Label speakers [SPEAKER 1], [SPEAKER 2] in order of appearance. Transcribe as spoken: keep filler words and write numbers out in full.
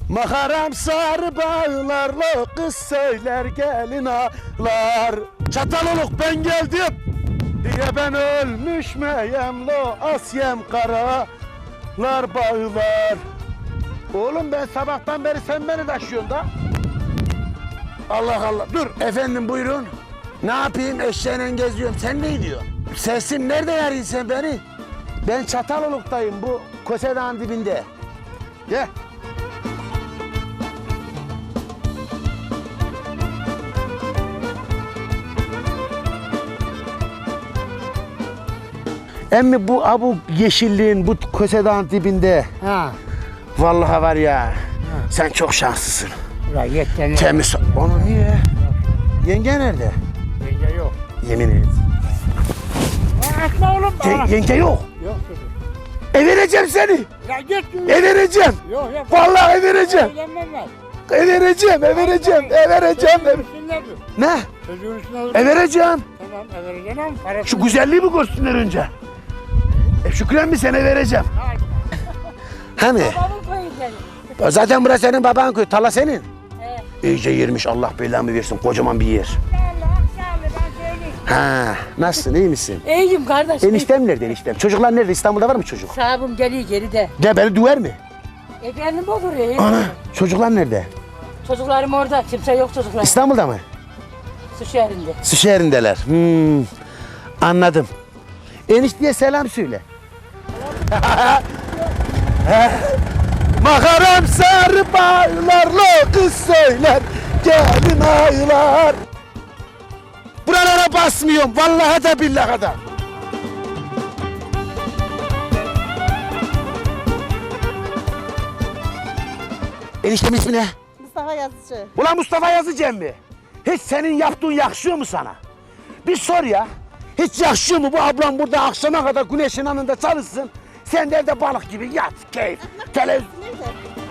[SPEAKER 1] Makaram sarı bağlarla kız söyler gelin ağlar. Çataloluk ben geldim diye ben ölmüş meyem lo asyem karalar bağlar. Oğlum ben sabahtan beri sen beni taşıyorsun da. Allah Allah. Dur efendim buyurun. Ne yapayım eşeğine geziyorum. Sen ne diyorsun? Sesim nerede yarıyorsun sen beni? Ben Çataloluk'tayım bu Kosedağ'ın dibinde. Gel. Emmi bu abu yeşilliğin bu Kosedağ'ın dibinde.
[SPEAKER 2] Ha.
[SPEAKER 1] Vallahi var ya. Ha. Sen çok şanslısın.
[SPEAKER 2] Ya yetten.
[SPEAKER 1] Temiz. Onu niye? Yenge nerede?
[SPEAKER 2] Yenge yok.
[SPEAKER 1] Yemin et.
[SPEAKER 2] Atma oğlum bana.
[SPEAKER 1] Ye yenge yok.
[SPEAKER 2] Yok çocuk.
[SPEAKER 1] E vereceğim seni.
[SPEAKER 2] Ya git.
[SPEAKER 1] E vereceğim.
[SPEAKER 2] Yok yok.
[SPEAKER 1] Vallahi e vereceğim.
[SPEAKER 2] Evlenmem ben.
[SPEAKER 1] E vereceğim, e vereceğim, e vereceğim.
[SPEAKER 2] Çocuğun üstünde dur.
[SPEAKER 1] Ne?
[SPEAKER 2] Çocuğun üstünde dur.
[SPEAKER 1] E vereceğim.
[SPEAKER 2] Tamam e vereceksin ama parası.
[SPEAKER 1] Şu güzelliği mi görsünler önce? E Şükran bir sene vereceğim. He mi?
[SPEAKER 3] Babamın koyu seni.
[SPEAKER 1] Zaten burası senin baban köy, tarla senin.
[SPEAKER 3] Evet.
[SPEAKER 1] İyice yermiş, Allah belamı versin, kocaman bir yer.
[SPEAKER 3] Sağlı, sağlı ben söyleyeyim.
[SPEAKER 1] Ha, nasılsın, iyi misin?
[SPEAKER 3] İyiyim kardeş.
[SPEAKER 1] Eniştem nerede eniştem? Çocuklar nerede? İstanbul'da var mı çocuk?
[SPEAKER 3] Sahibim geliyor geride.
[SPEAKER 1] De beni döver mi?
[SPEAKER 3] Efendim olur ya.
[SPEAKER 1] Ana, çocuklar nerede?
[SPEAKER 3] Çocuklarım orada. Kimse yok çocuklar.
[SPEAKER 1] İstanbul'da mı?
[SPEAKER 3] Su şehrinde.
[SPEAKER 1] Su şehrindeler. Hmm, anladım. Enişteye selam söyle. Makaram sarı bağlarla kız söyler gelin aylar. Buralara basmıyorum vallahi de billahi de. Eniştemin ismi ne?
[SPEAKER 4] Mustafa Yazıcı.
[SPEAKER 1] Ulan Mustafa Yazıcı mi? Hiç senin yaptığın yakışıyor mu sana? Bir sor ya. Hiç yakışıyor mu bu ablam burada akşama kadar güneşin anında çalışsın? Sen de evde balık gibi yat, keyif, televizyon.
[SPEAKER 4] Nerede?